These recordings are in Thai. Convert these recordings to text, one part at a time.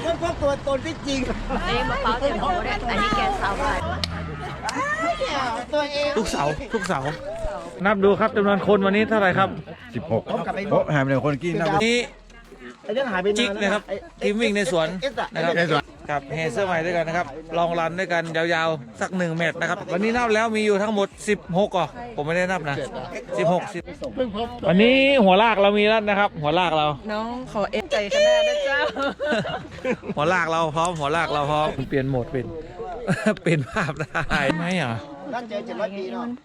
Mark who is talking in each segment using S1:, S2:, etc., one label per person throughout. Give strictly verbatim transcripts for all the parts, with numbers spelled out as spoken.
S1: ค้นพบตัวตนที่จริง
S2: อันนี้มะพร้าวเต็มหัวเลยอันนี้แกงสาวบาท
S1: ตัวเอง
S3: ทุกเสาร์ทุกเสาร์นับดูครับจำนวนคนวันนี้เท่าไหร่ครับ
S4: สิบหกโอ้หายไปหนึ่งคนกินนะ
S3: วันนี้
S1: ไอ้นั่นหายไป
S3: จิกนะครับทีมวิ่งในสวนนะครับกับเฮเซอร์ใหม่ด้วยกันนะครับลองรันด้วยกันยาวๆสักหนึ่งเมตรนะครับวันนี้นับแล้วมีอยู่ทั้งหมดสิบหกอ่ะผมไม่ได้นับนะสิบหกสิบวันนี้หัวลากเรามีแล้วนะครับ หัวลากเรา
S2: น้องขอเอ็นใจขนาดนะเจ้า
S3: หัวลากเราพร้อมหัวลากเราพร้อมเปลี่ยนโหมดเป็นเปลี่ยนภาพได้ไหมอ่ะ
S1: นั่นเจอเจ็ดร้อยปีเนาะ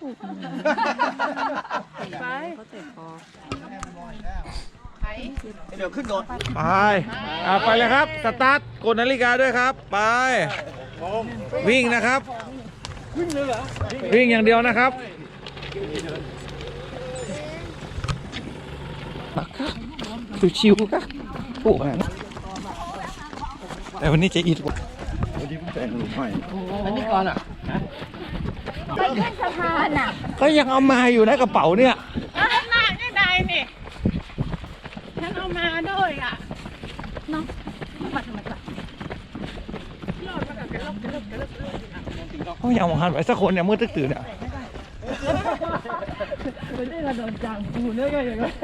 S2: ไปเขาเตะคอ
S1: เดี๋ยวขึ้นโดด
S3: ไปอ่ะไปเลยครับสตาร์ทกดนาฬิกาด้วยครับไปวิ่งนะครับวิ่งอย่างเดียวนะครับชิวๆครับโอ้ยแต่วันนี้จะอิด
S4: วันนี้ผมแต่งหลุมใหม่
S1: อันนี้ก่อนอ่ะ
S2: ไปขึ้นสะพานอ่ะ
S3: ก็ยังเอามาอยู่ในกระเป๋าเนี่ย
S2: เอามาได้ไงนี่ฉันเอามาด้วยอ่ะน้องมาทำไมล่ะ
S3: เขายังมองหันไปสักคนเนี่ยมืดตึกตื่นเนี่ย
S2: ไม่ได้ระโดดจังกูเนี่ยก็อย่างนี้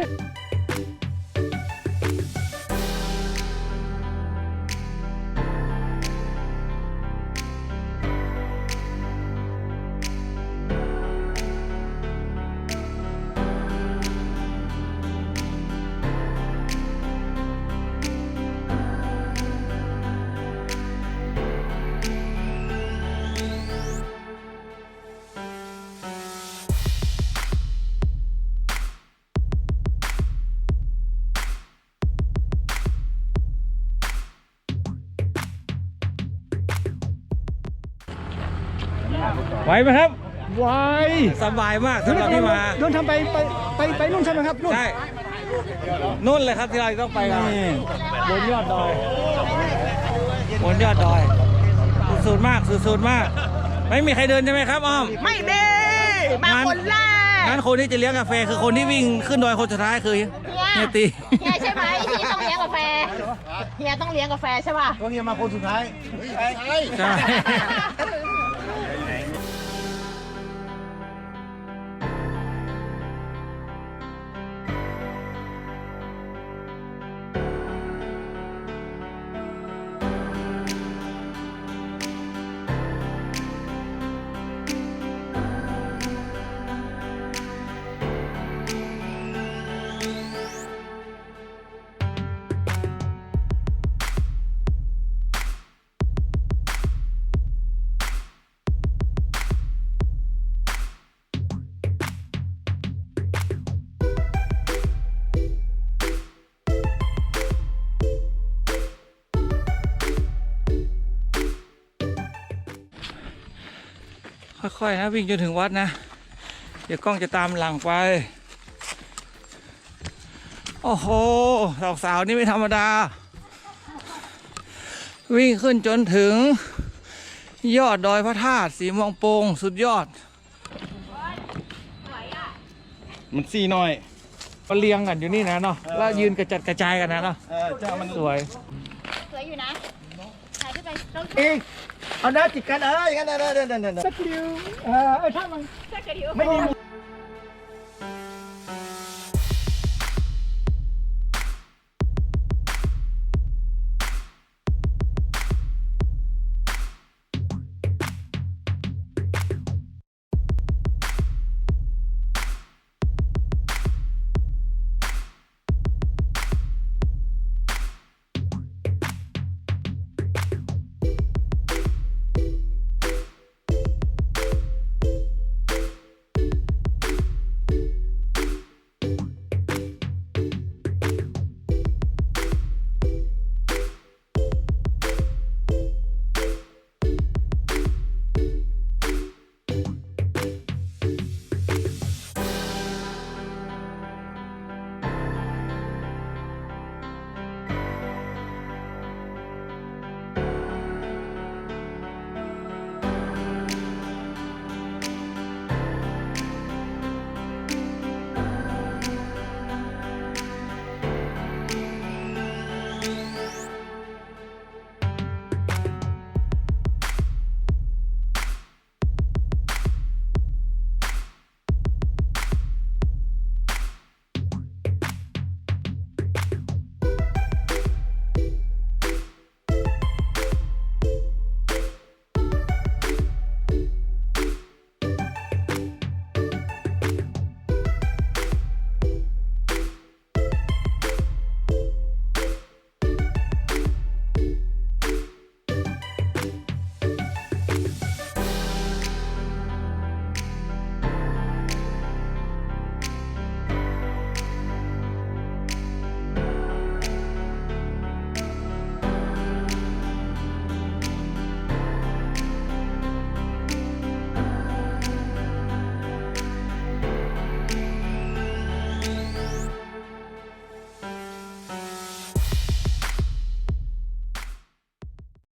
S3: ไหวไหมครับ
S1: ไว
S3: สบายมากสำหรับที่มา
S1: โดนทำไปไปไปไปนู่นใช่ไหมครับนู่น
S3: ใช่นู่นเลยครับที่เราต้องไปกันบนยอดดอยบนยอดดอยสุดๆมากสุดๆมาก ไม่มีใครเดินใช่ไหมครับอ้อม
S2: ไม่มีมาคนแรก
S3: งั้นคนที่จะเลี้ยงกาแฟคือคนที่วิ่งขึ้นดอยคนสุดท้ายคือเฮียตี
S2: เฮียใช่ไหมที่ต้องเลี้ยงกาแฟเฮียต้องเลี้ยงกาแฟใช่ป่ะ
S1: ก็เฮียมาคนสุดท้ายใช่
S3: ใช่ ค่อยๆนะวิ่งจนถึงวัดนะเดี๋ยวกล้องจะตามหลังไปโอ้โหสาวสาวนี่ไม่ธรรมดาวิ่งขึ้นจนถึงยอดดอยพระธาตุสีม่วงโป่งสุดยอด
S4: มันซี่น้อย
S3: ก็เรียงกันอยู่นี่นะเนาะแล้วยืนกระจัดกระจายกันนะเนาะ
S4: เออเจ้ามัน
S3: สวย
S2: สวยอยู่นะถ่ายขึ้นไปต้อง
S1: เองเอาหน้าจิกกันเอออย่างนั้นเออเดินเดินเดินสักคิวเออถ้ามัน
S2: แค่กระดิ่ง
S1: ไม่มี